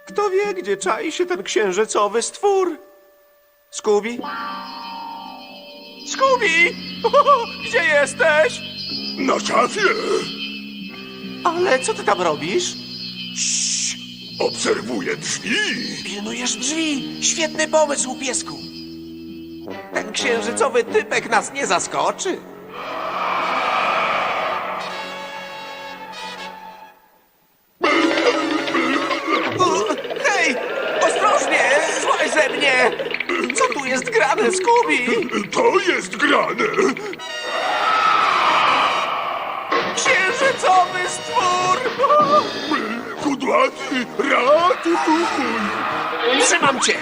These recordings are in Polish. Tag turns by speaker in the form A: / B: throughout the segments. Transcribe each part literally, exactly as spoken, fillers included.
A: Kto wie, gdzie czai się ten księżycowy stwór? Scooby? Scooby! Gdzie jesteś?
B: Na szafie!
A: Ale co ty tam robisz?
B: Obserwuję drzwi!
A: Pilnujesz drzwi. Świetny pomysł, piesku. Ten księżycowy typek nas nie zaskoczy. U, hej! Ostrożnie! Złaź ze mnie! Co tu jest grane, Scooby?
B: To jest grane!
A: Księżycowy stwór!
B: Kudłaty, ratuj!
A: Trzymam cię!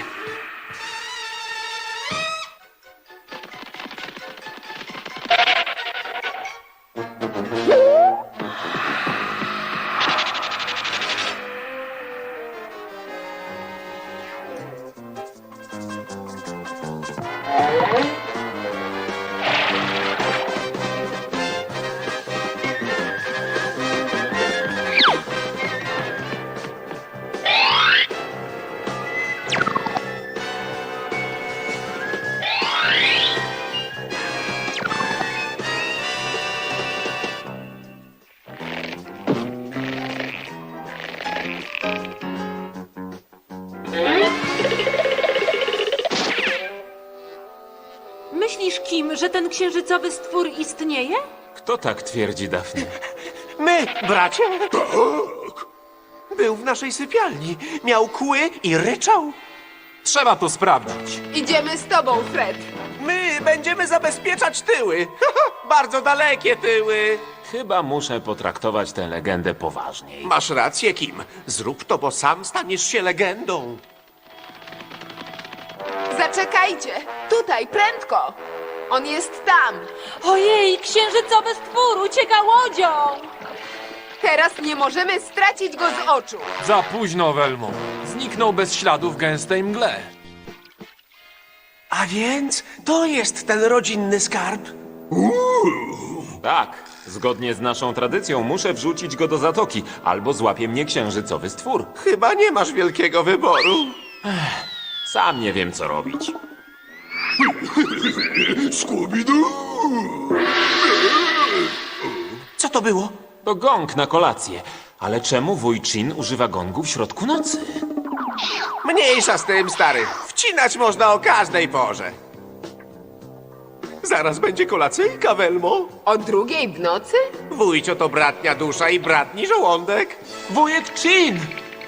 C: Myślisz, Kim, że ten księżycowy stwór istnieje?
D: Kto tak twierdzi, Daphne?
A: My, bracie,
B: Tak!
A: był w naszej sypialni. Miał kły i ryczał.
D: Trzeba to sprawdzić.
E: Idziemy z tobą, Fred.
A: My będziemy zabezpieczać tyły. Bardzo dalekie tyły.
D: Chyba muszę potraktować tę legendę poważniej.
A: Masz rację, Kim. Zrób to, bo sam staniesz się legendą.
E: Zaczekajcie! Tutaj, prędko! On jest tam!
C: Ojej, księżycowy stwór ucieka łodzią!
E: Teraz nie możemy stracić go z oczu!
F: Za późno, Welmo. Zniknął bez śladu w gęstej mgle.
A: A więc to jest ten rodzinny skarb?
D: Tak, zgodnie z naszą tradycją muszę wrzucić go do zatoki, albo złapie mnie księżycowy stwór.
A: Chyba nie masz wielkiego wyboru.
D: Sam nie wiem, co robić.
B: Scooby-Doo!
A: Co to było?
D: To gong na kolację. Ale czemu wuj Chin używa gongu w środku nocy?
A: Mniejsza z tym, stary. Wcinać można o każdej porze. Zaraz będzie kolacyjka, Welmo.
E: O drugiej w nocy?
A: Wujcio to bratnia dusza i bratni żołądek.
F: Wujek Chin!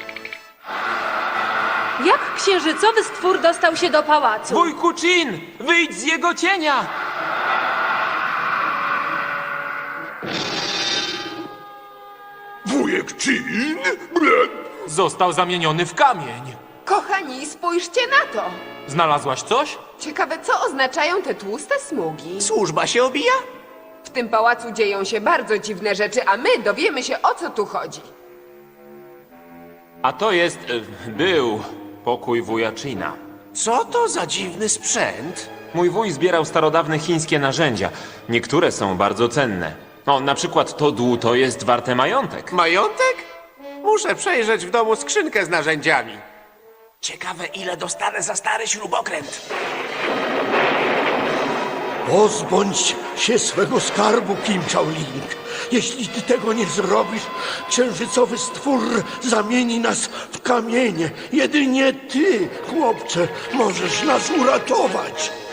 C: Jak księżycowy stwór dostał się do pałacu?
F: Wujku Chin! Wyjdź z jego cienia!
B: Wujek Chin? Ble-
F: Został zamieniony w kamień.
E: Kochani, spójrzcie na to!
F: Znalazłaś coś?
E: Ciekawe, co oznaczają te tłuste smugi?
A: Służba się obija?
E: W tym pałacu dzieją się bardzo dziwne rzeczy, a my dowiemy się, o co tu chodzi.
D: A to jest... E, był pokój wuja China.
A: Co to za dziwny sprzęt?
D: Mój wuj zbierał starodawne chińskie narzędzia. Niektóre są bardzo cenne. No, na przykład to dłuto jest warte majątek.
A: Majątek? Muszę przejrzeć w domu skrzynkę z narzędziami. Ciekawe, ile dostanę za stary śrubokręt.
G: Pozbądź się swego skarbu, Kim Chao-Ling. Jeśli ty tego nie zrobisz, księżycowy stwór zamieni nas w kamienie. Jedynie ty, chłopcze, możesz nas uratować.